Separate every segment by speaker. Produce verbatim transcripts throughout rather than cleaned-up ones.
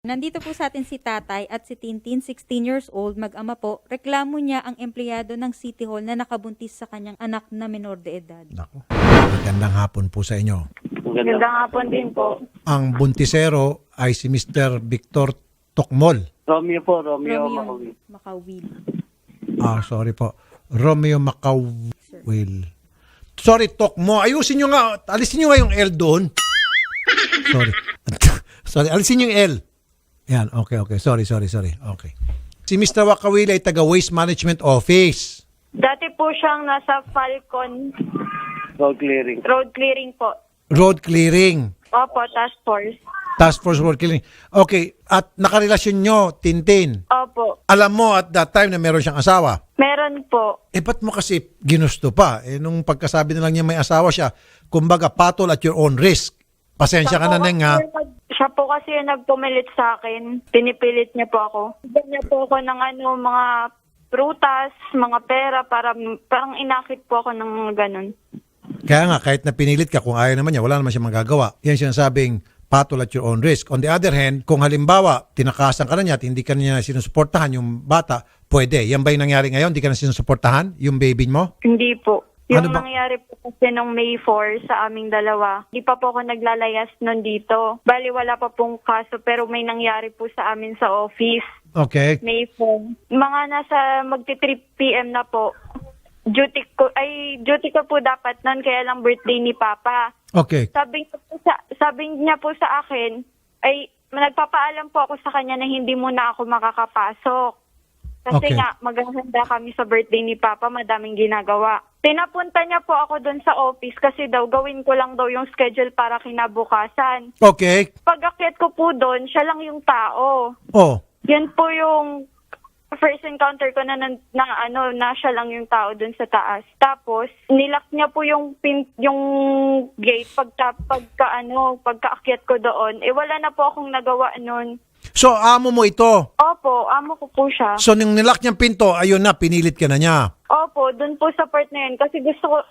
Speaker 1: Nandito po sa atin si Tatay at si Tintin, sixteen years old, mag-ama po. Reklamo niya ang empleyado ng City Hall na nakabuntis sa kanyang anak na menor de edad.
Speaker 2: Naku. Magandang hapon po sa inyo.
Speaker 3: Magandang hapon din po.
Speaker 2: Ang buntisero ay si Mister Victor Tokmol.
Speaker 3: Romeo po, Romeo,
Speaker 1: Romeo
Speaker 3: Macaulay.
Speaker 1: Macawil.
Speaker 2: Ah, sorry po. Romeo Macawil. Sorry, Tokmo. Ayusin nyo nga. Alisin nyo nga yung L doon. Sorry. Sorry, alisin nyo yung L. Yan, okay, okay. Sorry, sorry, sorry. Okay. Si Mister Wakawil ay taga Waste Management Office.
Speaker 4: Dati po siyang nasa Falcon
Speaker 3: Road clearing.
Speaker 4: Road Clearing po.
Speaker 2: Road Clearing.
Speaker 4: Opo, task force.
Speaker 2: Task Force Road Clearing. Okay. At nakarelasyon nyo, Tintin.
Speaker 4: Opo,
Speaker 2: Alam mo at that time na meron siyang asawa.
Speaker 4: meron po.
Speaker 2: Eh, ba't mo kasi ginusto pa? Eh, nung pagkasabi na lang niya may asawa siya, kumbaga, patol at your own risk. Pasensya ka na,
Speaker 4: po
Speaker 2: Neng, ha?
Speaker 4: kasi nag- Siya po kasi yung nagpumilit sa akin. Pinipilit niya po ako. Bigyan niya po ako ng ano, mga prutas, mga pera, para parang inakit po ako ng ganun.
Speaker 2: Kaya nga, kahit na pinilit ka, kung ayaw naman niya, wala naman siya magagawa. Yan sinasabing patol at your own risk. On the other hand, kung halimbawa, tinakasan ka na niya at hindi ka na niya sinusuportahan yung bata, pwede. Yan ba yung nangyari ngayon? Hindi ka na sinusuportahan yung baby mo?
Speaker 4: Hindi po. Yung
Speaker 2: Ano ba?
Speaker 4: nangyari po kasi nung May fourth sa aming dalawa, di pa po ako naglalayas nun dito. Bali, wala pa pong kaso, pero may nangyari po sa amin sa office.
Speaker 2: Okay.
Speaker 4: May fourth. Mga nasa magti-three p.m. na po. Duty ko, ay, duty ko po dapat nun, kaya lang birthday ni Papa.
Speaker 2: Okay.
Speaker 4: Sabi niya po sa, sabi niya po sa akin, ay, nagpapaalam po ako sa kanya na hindi muna ako makakapasok. Kasi
Speaker 2: Okay.
Speaker 4: nga, maghahanda kami sa birthday ni Papa, madaming ginagawa. Pinapunta niya po ako doon sa office kasi daw gawin ko lang daw yung schedule para kinabukasan.
Speaker 2: Okay.
Speaker 4: Pag-akyat ko po doon, siya lang yung tao.
Speaker 2: Oh.
Speaker 4: Yan po yung first encounter ko na, na, na ano na siya lang yung tao doon sa taas. Tapos nilak niya po yung pin, yung gate pagka pagka ano pagkaakyat ko doon. Eh wala na po akong nagawa noon.
Speaker 2: So, amo mo ito.
Speaker 4: Opo, amo ko po siya.
Speaker 2: So, nung nilak niyang pinto, ayun na, pinilit ka na niya.
Speaker 4: Opo, doon po sa part na yun kasi gusto ko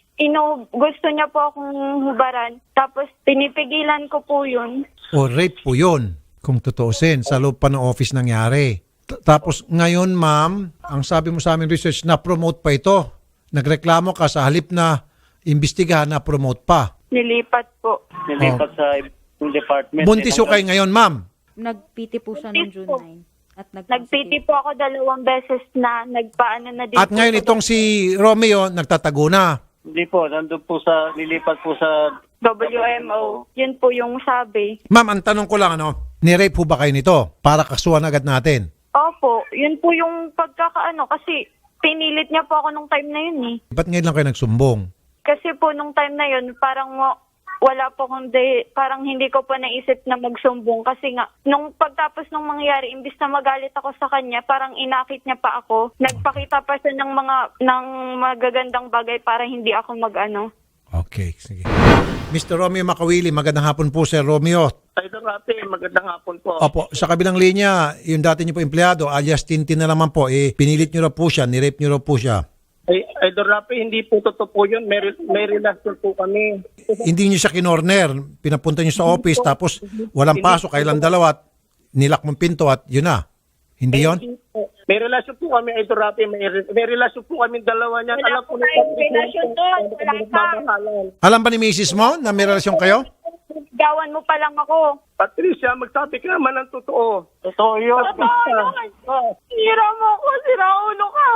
Speaker 4: ino gusto niya po akong hubaran. Tapos pinipigilan ko po yun.
Speaker 2: O rape po yun, kung tutuusin, sa loob pa ng office nangyari. T- Tapos ngayon, ma'am, ang sabi mo sa aming research, na-promote pa ito. Nagreklamo ka sa halip na imbestigahan, na-promote pa.
Speaker 4: Nilipat po.
Speaker 3: Nilipat sa yung department.
Speaker 2: Buntis ko kayo ngayon, ma'am.
Speaker 1: Nagpiti po siya noong June ninth. At
Speaker 4: Nagpiti po ako dalawang beses na nagpaano na din.
Speaker 2: At
Speaker 4: po
Speaker 2: ngayon
Speaker 4: sa
Speaker 2: itong si Romeo, nagtatago na.
Speaker 3: Hindi po, nandun po sa, nilipat po sa...
Speaker 4: W M O. Yun po yung sabi.
Speaker 2: Ma'am, ang tanong ko lang, ano, ni-rape po ba kayo nito? Para kasuhan agad natin.
Speaker 4: Opo, yun po yung pagkakaano kasi pinilit niya po ako nung time na yun eh.
Speaker 2: Ba't ngayon lang kayo nagsumbong?
Speaker 4: Kasi po nung time na yun parang wa- wala po kung de, parang hindi ko pa naisip na magsumbong kasi nga nung pagtapos nung mangyari imbis na magalit ako sa kanya parang inakit niya pa ako. Nagpakita pa siya ng mga ng magagandang bagay para hindi ako magano.
Speaker 2: Okay, sige. Mister Romeo Macawili, magandang hapon po, Sir Romeo.
Speaker 3: Idol Rapi, magandang hapon po.
Speaker 2: Opo, sa kabilang linya, yung dati niyo po empleyado, alias Tintin na naman po, eh, pinilit niyo raw po siya, nirape niyo raw po siya.
Speaker 3: Ay, Idol Rapi, hindi po totoo po yun. May, may relasyon po kami.
Speaker 2: Hindi niyo siya kinorner, pinapunta niyo sa office, tapos walang pasok, kailan dalawa, at nilak mong pinto at yun na. Hindi yon?
Speaker 3: Hindi po. May relasyon po kami, Idol Rapi. May, re- may relasyon po kami dalawa niyan.
Speaker 4: Wala
Speaker 3: Alam
Speaker 4: po
Speaker 3: na
Speaker 4: tayong relasyon doon. Wala pa.
Speaker 3: Magmamahalan.
Speaker 2: Alam ba ni Missus mo na may relasyon kayo?
Speaker 4: Gawan mo pa lang ako.
Speaker 3: Patricia, magsabi ka naman ng totoo. Totoo yun.
Speaker 4: Totoo naman. Sira mo ako, sira ulo ka.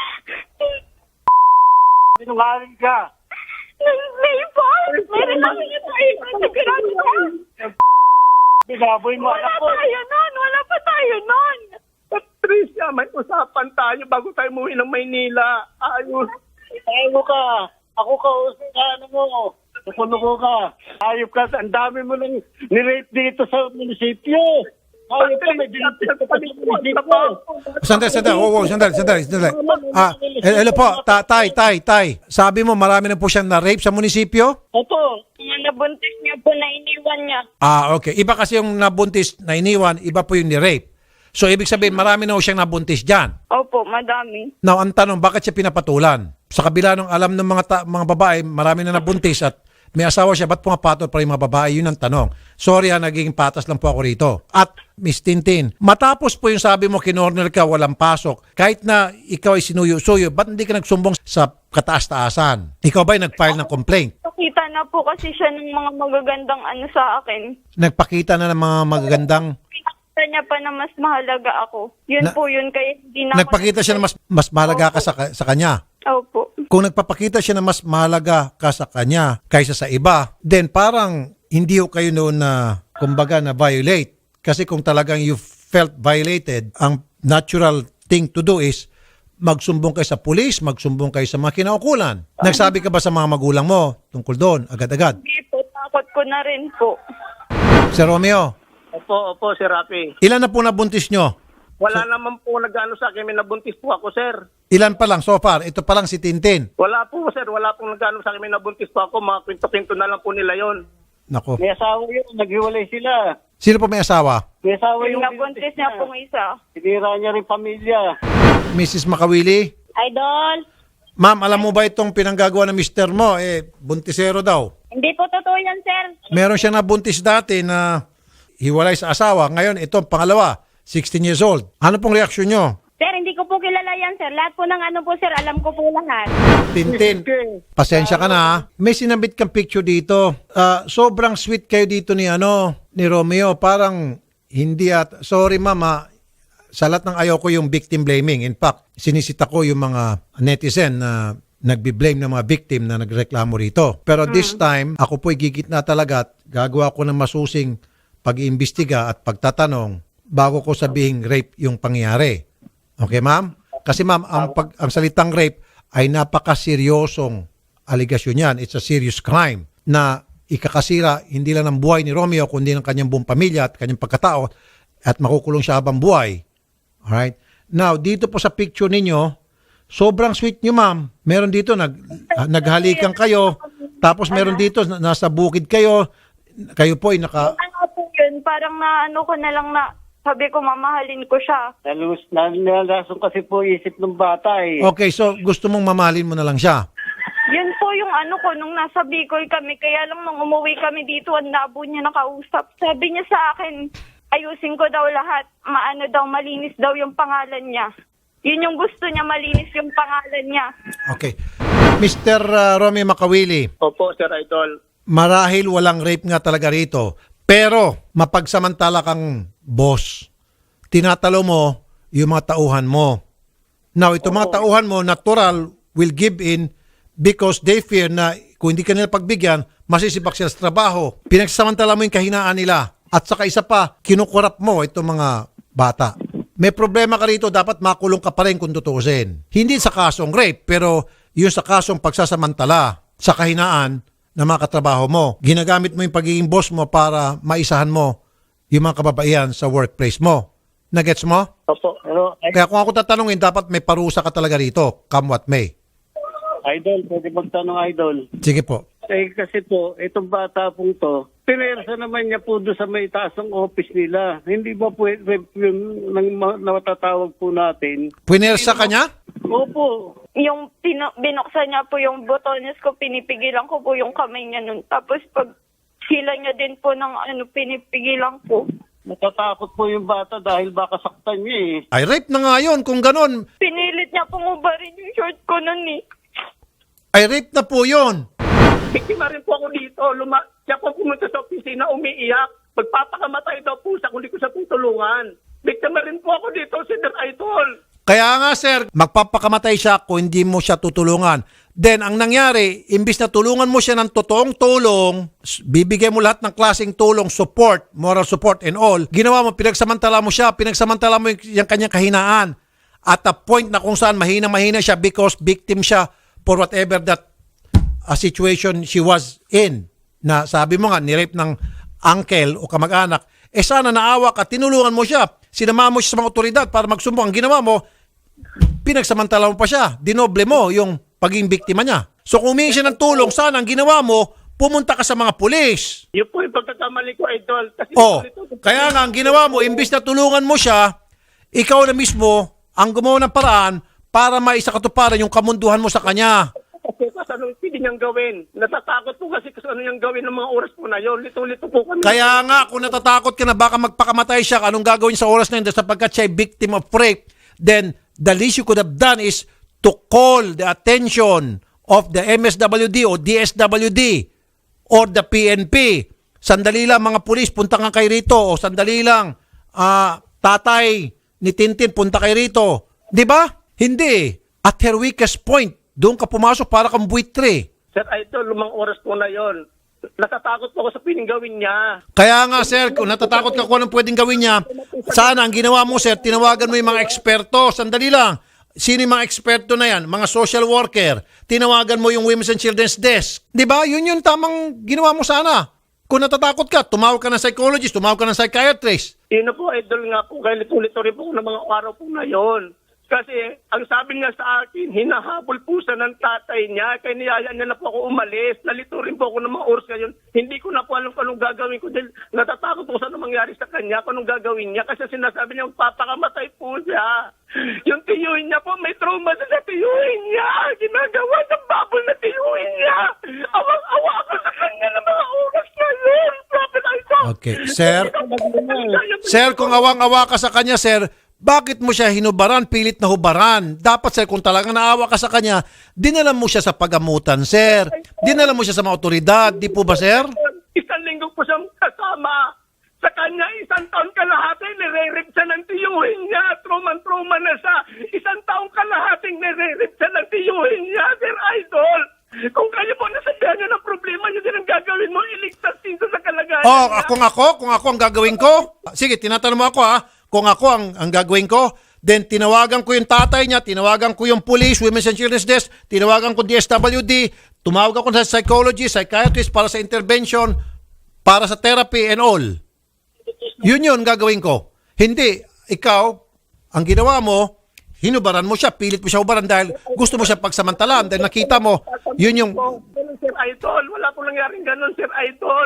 Speaker 3: Sinungaling ka.
Speaker 4: May boss, may relasyon tayo. Sigurado ka.
Speaker 3: Binaboy mo
Speaker 4: Wala
Speaker 3: anak ko.
Speaker 4: tayo nun, wala pa tayo nun.
Speaker 3: Patricia, may usapan tayo bago tayo umuwi ng Maynila. Ayos. Tayo ka. Ako ka, ka ano mo. Nukunuko ka. Ayop ka. Ang dami mo nang nirate dito sa munisipyo. Ayop ka. May dinapit ka pa sa munisipyo.
Speaker 2: Sandali, sandali, oh, oh, sandali, sandali, sandali. Ah, eh, hello po, ta- tay, tay, tay. Sabi mo, marami na po siyang na-rape sa munisipyo?
Speaker 3: Opo.
Speaker 4: Yung nabuntis niya po na iniwan niya.
Speaker 2: Ah, okay. Iba kasi yung nabuntis na iniwan, iba po yung ni-rape. So, ibig sabihin, marami na po siyang nabuntis dyan.
Speaker 4: Opo, madami.
Speaker 2: Now, ang tanong, bakit siya pinapatulan? Sa kabila ng alam ng mga ta- mga babae, marami na nabuntis at May asawa siya, ba't pumapatol pa rin mga babae? Yun ang tanong. Sorry ha, naging patas lang po ako rito. At Miss Tintin, matapos po yung sabi mo, kinorner ka, walang pasok, kahit na ikaw ay sinuyo-suyo, ba't hindi ka nagsumbong sa kataas-taasan? Ikaw ba ay nag-file ng complaint?
Speaker 4: Nakita na po kasi siya ng mga magagandang ano sa akin.
Speaker 2: Nagpakita na ng mga magagandang...
Speaker 4: Pinakita niya pa na mas mahalaga ako. Yun
Speaker 2: Na-
Speaker 4: po yun, kaya hindi na ako-
Speaker 2: Nagpakita siya na mas, mas mahalaga ka sa, sa kanya.
Speaker 4: Opo.
Speaker 2: Kung nagpapakita siya na mas mahalaga ka sa kanya kaysa sa iba, then parang hindi ho kayo noon na, kumbaga, na violate. Kasi kung talagang you felt violated, ang natural thing to do is magsumbong kayo sa pulis, magsumbong kayo sa mga kinaukulan. Nagsabi ka ba sa mga magulang mo tungkol doon, agad-agad?
Speaker 4: Hindi po, takot ko na rin po.
Speaker 2: Sir Romeo,
Speaker 3: Opo, opo, Sir Rafi.
Speaker 2: ilan na po nabuntis nyo?
Speaker 3: Wala naman po nag-ano sa akin, may nabuntis po ako, sir.
Speaker 2: Ilan pa lang so far? Ito pa lang si Tintin.
Speaker 3: Wala po, sir. Wala pong nag-ano sa akin, may nabuntis po ako. Mga kwento-kwento na lang po nila yon.
Speaker 2: Nako.
Speaker 3: May asawa yun, naghiwalay sila.
Speaker 2: Sino po may asawa?
Speaker 3: May asawa
Speaker 4: Yung nabuntis niya pong isa.
Speaker 3: Sinira niya rin pamilya.
Speaker 2: Missus Makawili?
Speaker 5: Idol,
Speaker 2: Ma'am, alam mo ba itong pinanggagawa ng mister mo? Eh, buntisero daw.
Speaker 5: hindi po totoo yan, sir.
Speaker 2: Meron siya nabuntis dati na hiwalay sa asawa. Ngayon, ito, pangalawa, sixteen years old. Ano pong reaksyon nyo?
Speaker 5: Sir, hindi ko po kilala yan, sir. Lahat po ng ano po, sir, alam ko po lahat.
Speaker 2: Tintin, pasensya ka na ha. May sinabit kang picture dito. Ah, sobrang sweet kayo dito ni ano, ni Romeo. Parang hindi at, sorry mama, sa lahat ng ayaw ko yung victim blaming. In fact, sinisita ko yung mga netizen na nagbi-blame ng mga victim na nagreklamo rito. Pero this time, ako po'y gigitna talaga at gagawa ko ng masusing pag-iimbestiga at pagtatanong bago ko sabihing rape yung pangyayari. Okay, ma'am? Kasi ma'am, ang, pag, ang salitang rape ay napakaseryosong aligasyon yan. It's a serious crime na ikakasira hindi lang ng buhay ni Romeo kundi ng kanyang buong pamilya at kanyang pagkatao at makukulong siya habang buhay. Alright? Now, dito po sa picture ninyo, sobrang sweet nyo, ma'am. Meron dito, nag, naghalikan kayo, tapos meron dito, na- nasa bukid kayo, kayo po ay naka...
Speaker 4: Ano po yun, parang na ano ko na lang na, sabi ko mamahalin ko siya.
Speaker 3: Nalus, nalalasong kasi po isip ng bata eh.
Speaker 2: Okay, so gusto mong mamahalin mo na lang siya.
Speaker 4: Yun po yung ano ko nung nasa Bicol kami. Kaya lang nung umuwi kami dito, ang labo niya nakausap. Sabi niya sa akin, ayusin ko daw lahat. Maano daw, malinis daw yung pangalan niya. Yun yung gusto niya, malinis yung pangalan niya.
Speaker 2: Okay. mister uh, Romeo Makawili,
Speaker 3: Opo, Sir Idol.
Speaker 2: marahil walang rape nga talaga rito, pero mapagsamantala kang boss. Tinatalo mo yung mga tauhan mo. Now, itong mga tauhan mo, natural, will give in because they fear na kung hindi ka nila pagbigyan, masisibak sila sa trabaho. Pinagsamantala mo yung kahinaan nila. At saka isa pa, kinukurap mo itong mga bata. May problema ka rito, dapat makulong ka pa rin kung tutuusin. Hindi sa kasong rape, pero yung sa kasong pagsasamantala sa kahinaan ng mga katrabaho mo. Ginagamit mo yung pagiging boss mo para maisahan mo yung mga kababaihan sa workplace mo. Nagets mo?
Speaker 3: Opo, pero
Speaker 2: Kaya kung ako tatanungin, dapat may parusa ka talaga rito, come what may.
Speaker 3: Idol, pwede magtanong Idol.
Speaker 2: Sige po.
Speaker 3: Eh kasi po, itong bata pong to, pinersa naman niya po doon sa may taas ng office nila. Hindi ba po rape yung nang ma- natatawag po natin?
Speaker 2: Punersa ka niya?
Speaker 3: Opo.
Speaker 4: Yung pino- binuksan niya po yung botones ko, pinipigilan ko po yung kamay niya nun. Tapos pag sila niya din po ng ano, pinipigilan ko.
Speaker 3: Natatakot po yung bata dahil baka saktan niya eh.
Speaker 2: Ay, rape na nga yun. Kung ganon,
Speaker 4: Pinilit niya pong ubarin yung short ko nun eh.
Speaker 2: ay rape na po yun.
Speaker 3: Biktima rin po ako dito. Luma- siya po pumunta sa opisina, umiiyak. Magpapakamatay daw po siya kung di ko siya tutulungan. Biktima rin po ako dito, Sir Idol.
Speaker 2: Kaya nga sir, magpapakamatay siya kung hindi mo siya tutulungan. Then ang nangyari, imbis na tulungan mo siya ng totoong tulong, s- bibigay mo lahat ng klaseng tulong, support, moral support and all, ginawa mo, pinagsamantala mo siya, pinagsamantala mo yung, yung kanyang kahinaan. At a point na kung saan mahina-mahina siya because victim siya for whatever that a situation she was in. Na sabi mo nga, nirape ng uncle o kamag-anak, eh sana naawa ka, tinulungan mo siya, sinama mo siya sa mga otoridad para magsumbong. Ang ginawa mo, pinagsamantala mo pa siya, dinoble mo yung pagiging biktima niya. So kung humingi siya ng tulong, sana ang ginawa mo, pumunta ka sa mga pulis.
Speaker 3: Yun po yung pagkakamali ko, Idol. Kasi
Speaker 2: Oh,
Speaker 3: ito-
Speaker 2: kaya nga ang ginawa mo, imbis na tulungan mo siya, ikaw na mismo ang gumawa ng paraan para maisakatuparan yung kamunduhan mo sa kanya.
Speaker 3: Kasi kasanong niyang gawin. Natatakot po kasi kung ano niyang gawin ng mga oras po na yun. Lito-lito po kami.
Speaker 2: Kaya nga, kung natatakot ka na baka magpakamatay siya, anong gagawin sa oras na yun sapagkat siya ay victim of rape, then the least you could have done is to call the attention of the M S W D o D S W D or the P N P. Sandali lang mga pulis, punta nga kay rito. O sandali lang, ah, tatay ni Tintin, punta kay rito. Di ba? Hindi. At her weakest point, doon ka pumasok para kang buitre.
Speaker 3: Sir Idol, lumang oras po na yun. Natatakot po ako sa piling gawin niya.
Speaker 2: Kaya nga sir, kung natatakot ka kung anong pwedeng gawin niya, sana ang ginawa mo sir, tinawagan mo yung mga eksperto. Sandali lang. Sino yung mga eksperto na yan? Mga social worker. Tinawagan mo yung Women's and Children's Desk. Di ba? Yun yung tamang ginawa mo sana. Kung natatakot ka, tumawag ka ng psychologist, tumawag ka ng psychiatrist.
Speaker 3: Yun na po, Idol nga po. Kaya lito-lito rin po ng mga araw po na yun. Kasi ang sabi niya sa akin, hinahabol po siya ng tatay niya. Kaya niyaya niya na po ako umalis. Nalito rin po ako ng mga oras ngayon. Hindi ko na po alam kung anong gagawin ko. Dahil natatakot po sa anong mangyari sa kanya, kung anong gagawin niya. Kasi sinasabi niya, papakamatay po siya. Yung tiyuhin niya po, may trauma sa tiyuhin niya. Ginagawa ng babol na tiyuhin niya. Awang-awa ako sa kanya ng mga oras na yun. Prophet Isaac.
Speaker 2: Okay. Sir, sir, kung awang-awa ka sa kanya, sir, bakit mo siya hinubaran, pilit na hubaran? Dapat, sir, kung talagang naawa ka sa kanya, dinala mo siya sa pagamutan, sir. Dinala mo siya sa mga otoridad. Di po ba, sir?
Speaker 3: Isang linggo po siyang kasama. Sa kanya, isang taon kalahati, nire-rip siya ng tiyuhin niya. Truman-truman na siya. Isang taong kalahating nire-rip siya ng tiyuhin niya, Sir Idol. Kung kayo po nasabihan niyo ng problema niyo din ang gagawin mo, iligtas dito sa kalagayan
Speaker 2: Oh,
Speaker 3: niya.
Speaker 2: kung ako, kung ako ang gagawin ko, sige, tinatanong mo ako ha, kung ako ang, ang gagawin ko, then tinawagan ko yung tatay niya, tinawagan ko yung police, Women's and Children's Desk, tinawagan ko D S W D, tumawag ako sa psychologist, psychiatrist para sa intervention, para sa therapy and all. Yun yun gagawin ko. Hindi, ikaw, ang ginawa mo, hinubaran mo siya, pilit mo siya hubaran dahil gusto mo siya pagsamantalaan dahil nakita mo, yun yung...
Speaker 3: Ganun, Sir Idol. Wala po nangyaring ganun, Sir Idol.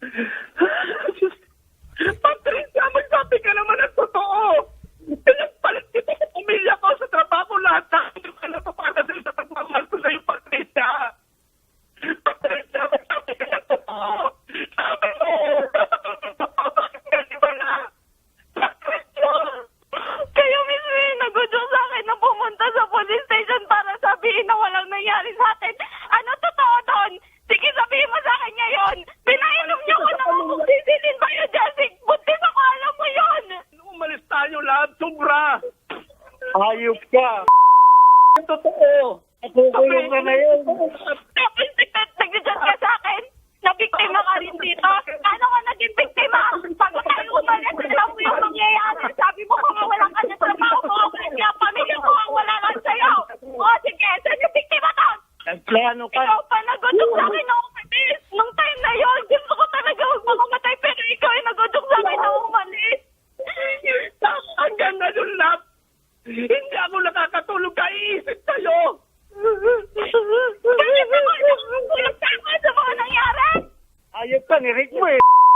Speaker 3: Patricia, magsabi ka naman ang totoo. Pinagpalit kita sa pamilya ko, sa trabaho, lahat na hindi ka napapala sa sa pagmamahal ko sa'yo, Patricia. Patricia, magsabi ka ng totoo. Sabi mo, bakit ka di ba na? Patricia.
Speaker 4: Kayo mismo yung nagudyo sa akin na pumunta sa police station para sabihin na walang nangyari sa akin. Ano totoo doon? Sige, sabihin mo sa akin ngayon. Pinainom niyo ko ng sisilin biogesic. Buntis ako, alam mo yun.
Speaker 3: Umalis tayo lahat, sobra. Hayop ka. Ang totoo. Nakukulong ka na yun.
Speaker 4: Tapos nag-judge ka sa akin. Nabiktima ka rin dito. Ano ka naging biktima? Pag tayo umalis, alam mo yung mangyayari. Sabi mo kung walang ka na trabaho ko, kaya pamilya ko ang wala lang sa'yo. O sige, saan yung biktima to?
Speaker 3: Nagplano ka.
Speaker 4: Ikaw pa nagudok sa akin na umalis. Nung time na yun, gusto ko talaga huwag makamatay, pero ikaw ay nagudok sa akin na umalis.
Speaker 3: Hanggang ngayon lang, hindi ako nakakatulog kaiisip sa'yo.
Speaker 4: Bakit ako nakakatulog sa akin sa mga nangyari?
Speaker 3: Ayop ka, nirik mo eh.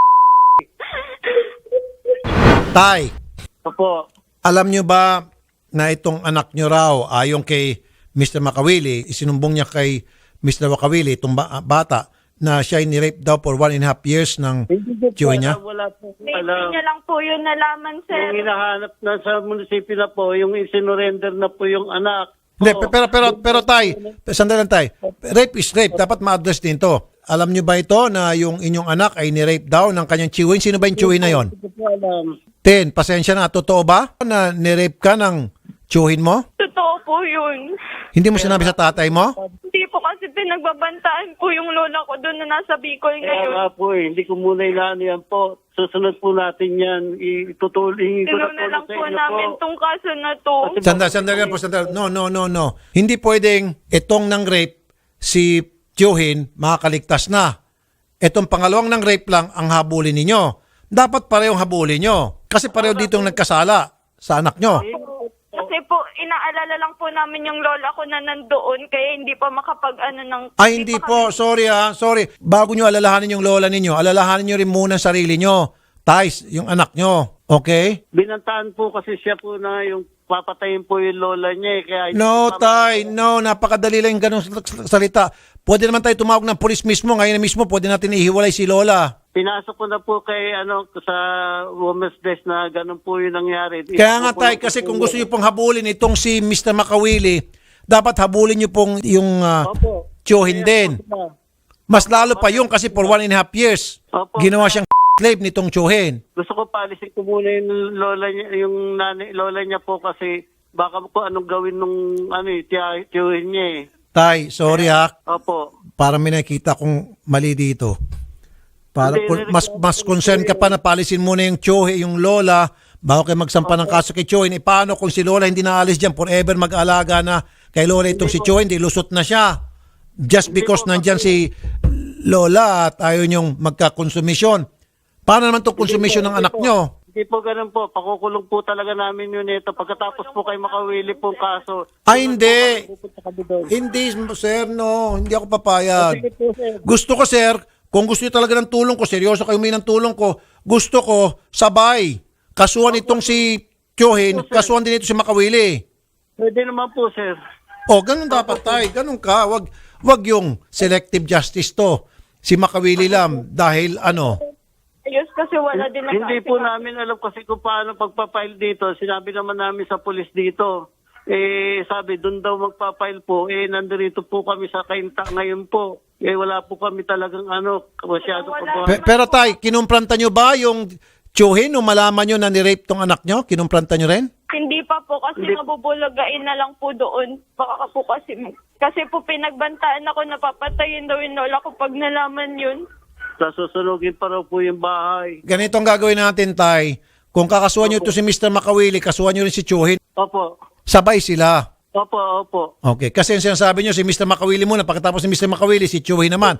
Speaker 2: Tay,
Speaker 3: Opo.
Speaker 2: alam nyo ba na itong anak nyo raw, ayon kay Mister Makawili, isinumbong niya kay Mister Makawili, itong ba- bata, na siya ay nirape daw for one and a half years ng tiyuhin niya?
Speaker 3: Wala po
Speaker 4: Hindi
Speaker 3: alam.
Speaker 4: niya lang po yun nalaman, sir.
Speaker 3: Yung hinahanap na sa munisipyo na po, yung isinurrender na po yung anak.
Speaker 2: Hindi,
Speaker 3: Oo.
Speaker 2: pero, pero, pero tay, sandali lang tay, rape is rape, dapat ma-address din to. Alam nyo ba ito na yung inyong anak ay nirape daw ng kanyang tiyuhin? Sino ba yung tiyuhin na yon?
Speaker 3: Hindi ko po alam.
Speaker 2: Ten, pasensya na, totoo ba na nirape ka ng tiyuhin mo?
Speaker 4: Totoo po yun.
Speaker 2: Hindi mo sinabi sa tatay mo?
Speaker 4: Hindi po kasi pinagbabantaan po yung lola ko doon na nasa Bicol
Speaker 3: Kaya
Speaker 4: ngayon.
Speaker 3: nga po eh, hindi ko muna inaano yan po. Susunod po natin yan. Itutuloy ko na
Speaker 4: Tinuna
Speaker 3: po
Speaker 4: lang
Speaker 3: sa
Speaker 4: po
Speaker 3: inyo
Speaker 4: namin
Speaker 3: po.
Speaker 4: tong kaso na to.
Speaker 2: Sandali, sandali lang po, sandali. No, no, no, no. Hindi pwedeng itong ng rape, si tiyuhin, makakaligtas na. Itong pangalawang ng rape lang ang habulin ninyo. Dapat parehong habulin nyo. Kasi pareho ditong nagkasala sa anak nyo.
Speaker 4: Kasi po, inaalala lang po namin yung lola ko na nandoon kaya hindi pa makapag-ano ng...
Speaker 2: Ay, hindi
Speaker 4: pa
Speaker 2: po.
Speaker 4: kami-
Speaker 2: Sorry ha. Sorry. Bago nyo alalahanin yung lola ninyo, alalahanin nyo rin muna ang sarili nyo. Tais, yung anak nyo. Okay?
Speaker 3: Binantaan po kasi siya po na yung papatayin po yung lola niya eh. Kaya hindi
Speaker 2: No,
Speaker 3: ko pa-
Speaker 2: tay. No, napakadali lang yung ganong salita. pwede naman tayo tumawag ng pulis mismo. Ngayon na mismo, pwede natin ihiwalay si Lola.
Speaker 3: Pinasok ko na po kay ano sa women's desk na ganun po yung nangyari.
Speaker 2: Kaya nga
Speaker 3: Ito po
Speaker 2: tay,
Speaker 3: po
Speaker 2: kasi
Speaker 3: po
Speaker 2: kung
Speaker 3: yun.
Speaker 2: gusto niyo pong habulin itong si Mister Makawili, dapat habulin niyo pong yung uh,
Speaker 3: Opo.
Speaker 2: tiyuhin din. Mas lalo pa yung kasi for one and a half years,
Speaker 3: Opo.
Speaker 2: ginawa siyang slave nitong tiyuhin.
Speaker 3: Gusto ko paalisin ko muna yung lola niya, yung nanay, lola niya po kasi baka ko anong gawin nung ano eh, tiya- tiyuhin niya eh.
Speaker 2: Tay, sorry ha,
Speaker 3: Opo.
Speaker 2: para may nakita kong mali dito. Para
Speaker 3: Hindi,
Speaker 2: kung mas mas concern ka pa na palisin muna yung tiyuhi, yung lola, bago kayo magsampa ng kaso kay tiyuhin. E paano kung si lola hindi naalis dyan, forever mag-alaga na kay lola itong si tiyuhin, di lusot na siya. Just because nandyan si lola at ayaw niyong magkakonsumisyon. Paano naman itong konsumisyon ng anak nyo?
Speaker 3: Hindi po ganun po. Pakukulong po talaga namin yun ito. Pagkatapos po kayo makawili pong kaso.
Speaker 2: Ay, hindi.
Speaker 3: Pupunta kami doon.
Speaker 2: Hindi, sir, no. Hindi ako papayag.
Speaker 3: Sige po, sir.
Speaker 2: Gusto ko, sir, kung gusto niyo talaga ng tulong ko, seryoso kayo may ng tulong ko, gusto ko, sabay. Kasuhan itong si Tiyuhin, kasuhan din ito si Makawili.
Speaker 3: Pwede naman po, sir.
Speaker 2: O, ganun dapat tayo. Ganun ka. Wag, wag yung selective justice to. Si Makawili lang dahil ano.
Speaker 4: Ayos kasi wala din
Speaker 3: Hindi po namin alam kasi kung paano pagpapile dito. Sinabi naman namin sa pulis dito. Eh, sabi, doon daw magpapile po. Eh, nandito po kami sa Kainta ngayon po. Eh, wala po kami talagang ano, masyado po.
Speaker 2: Pe- pero tay, kinumpranta nyo ba yung Tiyuhin o malaman nyo na ni-rape tong anak nyo? Kinumpranta nyo rin?
Speaker 4: Hindi pa po kasi
Speaker 3: Hindi.
Speaker 4: nabubulagain na lang po doon. Baka po kasi, kasi po pinagbantaan ako na papatayin daw yung lola ko pag nalaman yun.
Speaker 3: Sasusunugin pa raw po yung bahay.
Speaker 2: Ganito ang gagawin natin, tay. Kung kakasuhan nyo ito si Mister Makawili, kasuhan nyo rin si Tiyuhin,
Speaker 3: Opo.
Speaker 2: sabay sila.
Speaker 3: Opo, opo.
Speaker 2: Okay, kasi yung sinasabi nyo, si Mister Makawili muna, pagkatapos si Mister Makawili, si Tiyuhin naman.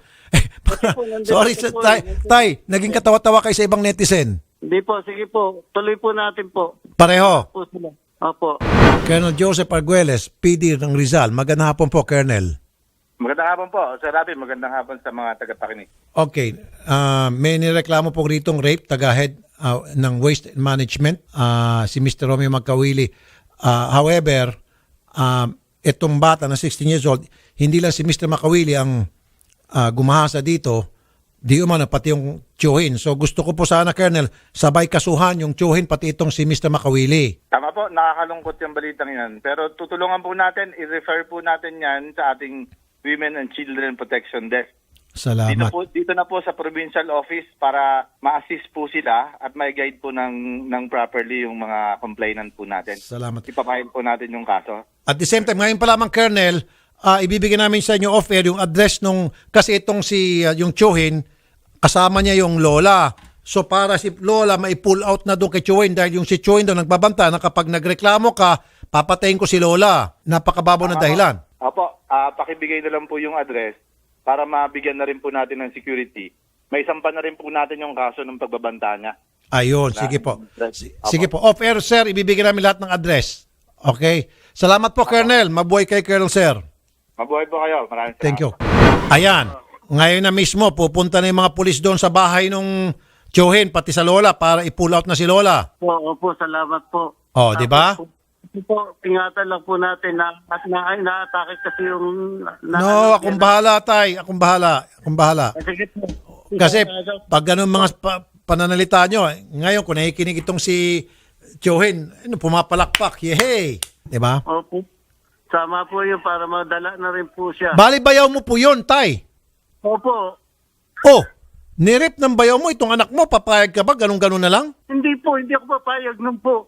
Speaker 2: Sorry,
Speaker 3: nandito po
Speaker 2: tay,
Speaker 3: eh.
Speaker 2: tay, naging katawa-tawa kayo sa ibang netizen.
Speaker 3: Hindi po, sige po. Tuloy po natin po.
Speaker 2: Pareho.
Speaker 3: Po sila. Opo.
Speaker 2: Colonel Joseph Arguelles, P D ng Rizal. Magandang hapon po, Colonel.
Speaker 6: Magandang hapon po, Sir Rabi. Magandang hapon sa mga tagapakinig.
Speaker 2: Okay, ah, may nireklamo po ritong rape, taga-head ah, ng Waste Management, ah, si Mister Romeo Magkawili. Ah, however, ah, itong bata na sixteen years old, hindi lang si Mister Makawili ang ah, gumahasa dito, di umano pati yung Tiyuhin. So gusto ko po sana, Colonel, sabay kasuhan yung Tiyuhin pati itong si Mister Makawili.
Speaker 6: Tama po, nakakalungkot yung balitang yan. Pero tutulungan po natin, i-refer po natin yan sa ating Women and Children Protection Desk. Dito,
Speaker 2: Salamat.
Speaker 6: po, dito na po sa provincial office para ma-assist po sila at may guide po ng, ng properly yung mga complainant po natin.
Speaker 2: Salamat.
Speaker 6: Ipapahil po natin yung kaso.
Speaker 2: At the same time, ngayon pa lamang, Colonel, ah, ibibigay namin sa inyo off-air yung address nung, kasi itong si, ah, yung Tiyuhin, kasama niya yung Lola. So para si Lola mai-pull out na doon kay Tiyuhin dahil yung si Tiyuhin doon nagbabanta na kapag nagreklamo ka, papatayin ko si Lola. Napakababaw na dahilan.
Speaker 6: Opo, ah, pakibigay na lang po yung address para mabigyan na rin po natin ng security. May sampa na rin po natin yung kaso ng pagbabanta niya.
Speaker 2: Ayun, sige po. Si-
Speaker 6: Opo.
Speaker 2: Sige po. Off-air, sir, ibibigay namin lahat ng address. Okay? Salamat po, Colonel. Mabuhay kay Colonel, sir.
Speaker 6: Mabuhay po kayo. Maraming
Speaker 2: Thank you. Ayan. Ngayon na mismo, pupunta na yung mga pulis doon sa bahay nung Tiyuhin, pati sa Lola, para i-pull out na si Lola.
Speaker 3: Po, opo, salamat po.
Speaker 2: Oh, di ba?
Speaker 3: Tapos po, po, ingatan lang po natin na at na, ay, na-atake kasi yung... Na,
Speaker 2: No, akong bahala, tay. Akong bahala. Akong bahala.
Speaker 3: Sige po.
Speaker 2: Kasi pag ganun mga pa- pananalita nyo, eh, ngayon kung nakikinig itong si Tiyuhin, ano, pumapalakpak. Yehey! Di ba?
Speaker 3: Opo. Sama po yun para madala na rin po siya.
Speaker 2: Bali bayaw mo po yun, tay.
Speaker 3: Opo.
Speaker 2: Oh, nirip ng bayaw mo itong anak mo, papayag ka ba? Ganun-ganun na lang?
Speaker 3: Hindi po, hindi ako papayag nun po.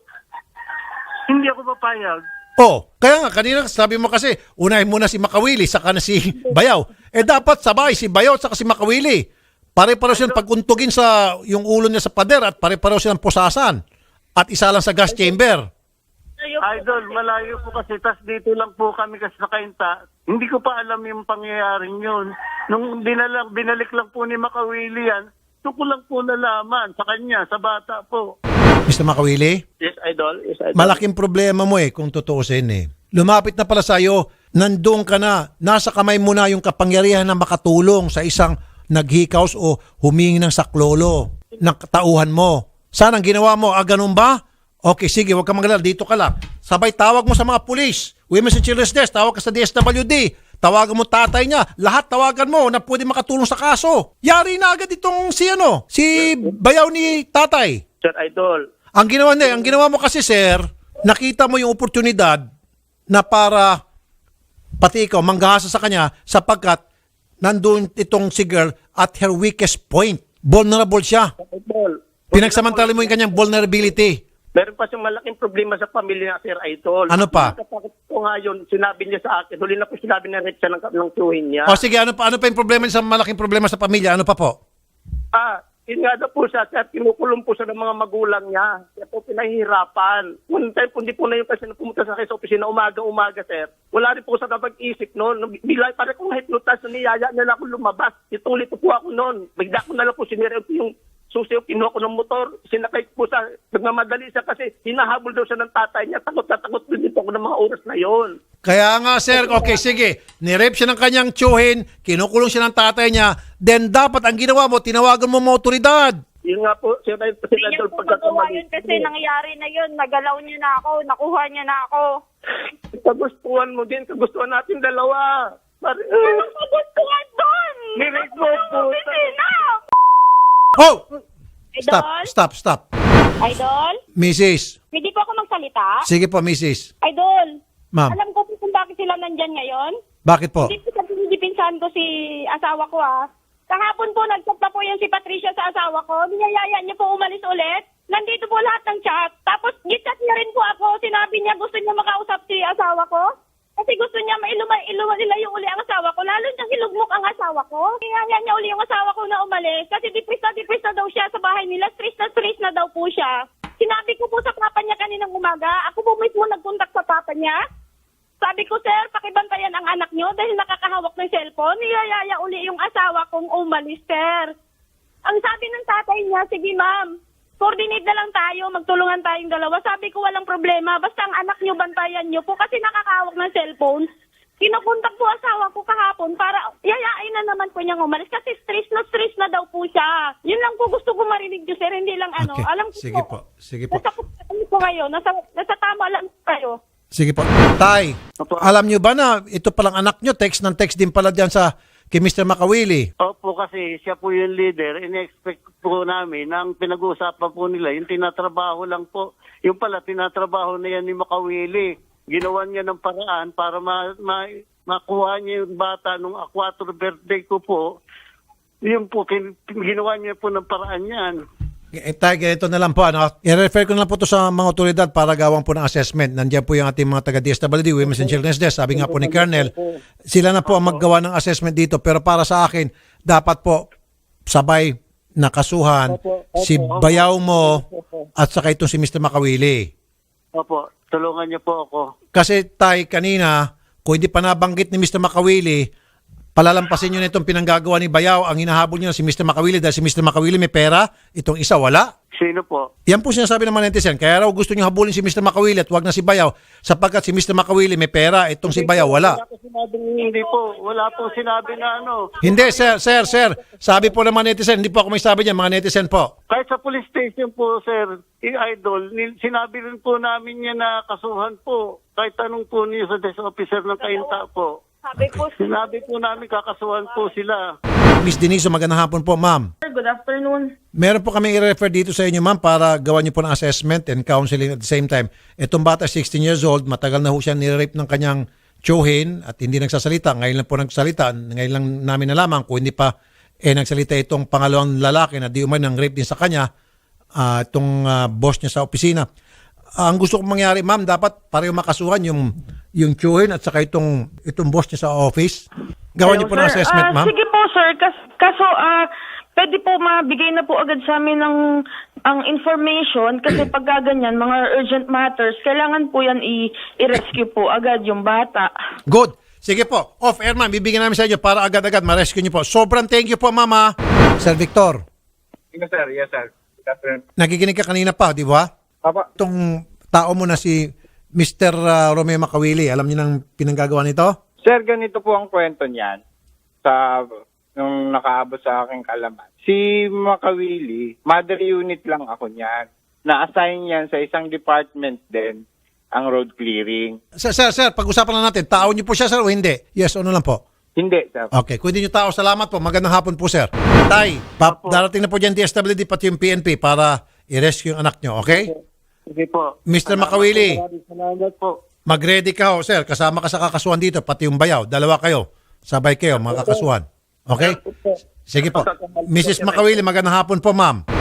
Speaker 3: Hindi ako papayag.
Speaker 2: Oh, kaya nga, kanina sabi mo kasi, unahin muna si Makawili, saka na si Bayaw. Eh dapat sabay, si Bayaw at saka si Makawili. Pare-pareho silang paguntugin sa yung ulo niya sa pader at pare-pareho silang pusasan. At isa lang sa gas chamber.
Speaker 3: Idol, malayo po kasi. Tas dito lang po kami kasi sa Kainta. Hindi ko pa alam yung pangyayaring yun. Nung binalik, binalik lang po ni Makawili yan, doon ko lang po nalaman sa kanya, sa bata po.
Speaker 2: Mister Makawili,
Speaker 3: Yes, Idol. Yes, Idol.
Speaker 2: malaking problema mo eh kung tutuusin eh. Lumapit na pala sa'yo, nandun ka na, nasa kamay mo na yung kapangyarihan na makatulong sa isang naghikaos o humingi ng saklolo ng katauhan mo. Sana ang ginawa mo, ah ganun ba? Okay, sige, huwag ka magalala, dito ka lang. Sabay tawag mo sa mga pulis, Women's and Children's Desk, tawag ka sa D S W D, tawagan mo tatay niya, lahat tawagan mo na pwede makatulong sa kaso. Yari na agad itong si ano, si bayaw ni tatay.
Speaker 3: Sir Idol.
Speaker 2: Ang ginawa niya, ang ginawa mo kasi sir, nakita mo yung oportunidad na para pati ikaw manggahasa sa kanya sapagkat nandun itong si girl at her weakest point. Vulnerable siya.
Speaker 3: Idol.
Speaker 2: Pinagsamantala mo yung kanyang vulnerability.
Speaker 3: Meron pa siyang malaking problema sa pamilya na Sir Idol.
Speaker 2: Ano pa?
Speaker 3: Nakatakot ko nga yun, sinabi niya sa akin. Huli na po sinabi na rin siya ng, ng tuwin niya.
Speaker 2: O sige, ano pa, ano pa yung problema sa malaking problema sa pamilya? Ano pa po?
Speaker 3: Ah, yun nga daw po siya, sir, kinukulong po siya ng mga magulang niya. Kaya po pinahihirapan. One time po, hindi po na yung kasi na pumunta sa akin sa opisina umaga-umaga, sir. Wala rin po sa kapag-isip noon. Bila, para kong hypnotize na niyaya niya lang ako lumabas. Itulit po ako noon. Bigla ko na lang po sinira yung susi, kinuha ko ng motor. Sinakay po sa, nagmamadali siya kasi hinahabol daw siya ng tatay niya. Takot na takot din po ako ng mga oras na yon.
Speaker 2: Kaya nga sir, okay sige, nirape siya ng kanyang tiyuhin, kinukulong siya ng tatay niya, then dapat ang ginawa mo, tinawagan mo mga otoridad.
Speaker 3: Yun nga po, Sir Idol, Sir
Speaker 4: Hindi niya
Speaker 3: Idol,
Speaker 4: po magawa
Speaker 3: pagkakamali.
Speaker 4: yun kasi nangyari na yun. Nagalaw niya na ako. Nakuha niya na ako.
Speaker 3: Kagustuhan mo din, kagustuhan natin dalawa. Pare,
Speaker 4: Anong kagustuhan doon?
Speaker 3: Nirate mo po.
Speaker 4: Opisina!
Speaker 2: Oh!
Speaker 5: Idol?
Speaker 2: Stop, stop, stop.
Speaker 5: Idol?
Speaker 2: Missus
Speaker 5: Pwede po ako magsalita?
Speaker 2: Sige po, Missus
Speaker 5: Idol,
Speaker 2: Ma'am,
Speaker 5: alam ko po kung bakit sila nandyan ngayon.
Speaker 2: bakit po?
Speaker 5: Hindi po pinipinsahan ko si asawa ko ah. Kahapon po nag-chat na po yan si Patricia sa asawa ko. Niyayaya niya po umalis ulit. Nandito po lahat ng chat. Tapos gichat niya rin po ako. Sinabi niya gusto niya makausap si asawa ko. Kasi gusto niya mailuma, iluma nila yung uli ang asawa ko. Lalo niyang ilugmok ang asawa ko. Niyaya niya uli yung asawa ko na umalis. Kasi depressed na depressed na daw siya sa bahay nila. Stress na stress na daw po siya. Sinabi ko po sa papa niya kaninang umaga. Ako po mismo nagkontak sa papa niya. Sabi ko, sir, pakibantayan ang anak niyo dahil nakakahawak ng cellphone. Niyayaya uli yung asawa kong umalis, sir. Ang sabi ng tatay niya, sige ma'am, coordinate na lang tayo, magtulungan tayong dalawa. Sabi ko, walang problema. Basta ang anak niyo, bantayan niyo po kasi nakakahawak ng cellphone. Kinukontak po asawa ko kahapon para yayain na naman po niyang umalis kasi stress na stress na daw po siya. Yun lang po gusto ko marinig niyo, sir. Hindi lang ano.
Speaker 2: Okay,
Speaker 5: Alam ko
Speaker 2: sige po, sige po.
Speaker 5: Nasa, ano po kayo, nasa, nasa tama lang kayo.
Speaker 2: Sige po. Tay, alam nyo ba na ito palang anak nyo, text ng text din pala diyan sa kay Mister Makawili?
Speaker 7: Opo, kasi siya po yung leader. Ini-expect po namin na ang pinag-uusapan po nila, yung tinatrabaho lang po. Yung pala, tinatrabaho na yan ni Makawili. Ginawa niya ng paraan para ma, ma, makuha niya yung bata nung aquator birthday ko po. Yung po, kin, ginawa niya po ng paraan yan.
Speaker 2: Eh, tay, ganito na lang po. Ano? I-refer ko na lang po to sa mga otoridad para gawang po ng assessment. Nandiyan po yung ating mga taga-D S W D, Women's and Children's Desk. Sabi nga po ni Colonel, sila na po ang maggawa ng assessment dito. Pero para sa akin, dapat po sabay nakasuhan si bayaw mo at saka itong si Mister Makawili.
Speaker 7: Opo, tulungan niyo po ako.
Speaker 2: Kasi tay, kanina, kung hindi pa nabanggit ni Mister Makawili, palalampasin nyo na itong pinanggagawa ni Bayaw. Ang hinahabol nyo na si Mister Makawili dahil si Mister Makawili may pera, itong isa wala.
Speaker 7: Sino po?
Speaker 2: Yan po sinasabi ng mga netizen. Kaya raw gusto nyo habulin si Mister Makawili at wag na si Bayaw sapagkat si Mister Makawili may pera, itong si Bayaw wala.
Speaker 7: Wala po sinabing, hindi po. Wala po sinabi na ano.
Speaker 2: Hindi, sir, sir, sir. Sabi po ng mga netizen, hindi po ako may sabi niyan, mga netizen po.
Speaker 7: Kahit sa police station po, sir, i-idol, ni- sinabi rin po namin niya na kasuhan po. Kahit tanong po niyo sa desk officer ng Kainta po.
Speaker 4: Sabi ko,
Speaker 7: Sinabi po namin kakasuhan po sila.
Speaker 2: Miss Deniso, magandang hapon po, ma'am.
Speaker 8: Good afternoon.
Speaker 2: Meron po kami i-refer dito sa inyo, ma'am, para gawan niyo po ng assessment and counseling at the same time. Itong bata, sixteen years old, matagal na ho siya nirape ng kanyang tiyuhin at hindi nagsasalita. Ngayon lang po nagsalita. Ngayon lang namin nalaman kung hindi pa eh, nagsalita itong pangalawang lalaki na di umay ng rape din sa kanya, uh, itong uh, boss niya sa opisina. Uh, ang gusto kong mangyari, ma'am, dapat pareho makasuhan yung yung tiyuhin at saka itong, itong boss niya sa office. Gawan niyo po ng
Speaker 8: Sir,
Speaker 2: assessment,
Speaker 8: ah,
Speaker 2: ma'am.
Speaker 8: Sige po, sir. Kas, kaso, ah, pwede po mabigay na po agad sa amin ng ang information kasi pag ganyan, mga urgent matters, kailangan po yan i- i-rescue po agad yung bata.
Speaker 2: Good. Sige po. Off-air, ma'am. Bibigyan namin sa inyo para agad-agad ma-rescue niyo po. Sobrang thank you po, mama. Sir Victor,
Speaker 6: Yes, sir. Yes, sir. Good afternoon.
Speaker 2: nakikinig ka kanina pa, di ba?
Speaker 6: Papa,
Speaker 2: Itong tao mo na si Mister uh, Romeo Makawili, alam niyo nang pinanggagawa nito?
Speaker 9: Sir, ganito po ang kwento niyan sa nung nakaabot sa aking kalaman. Si Makawili, mother unit lang ako niyan. Na-assign yan sa isang department din ang road clearing.
Speaker 2: Sir, sir, sir, pag-usapan lang natin, tao niyo po siya, sir, o hindi? Yes o no lang po?
Speaker 9: Hindi, sir.
Speaker 2: Okay, kung hindi niyo tao, salamat po. Magandang hapon po, sir. Tay, pa- darating na po dyan D S W D pati yung P N P para i-rescue yung anak niyo, okay?
Speaker 7: Sige po.
Speaker 2: Mister Makawili,
Speaker 7: Maraming salamat po.
Speaker 2: mag-ready ka ho, sir. Kasama ka sa kakasuhan dito, pati yung bayaw. Dalawa kayo. Sabay kayo, mga kakasuhan. Okay? Sige po. Missus Makawili, magandang hapon po, ma'am.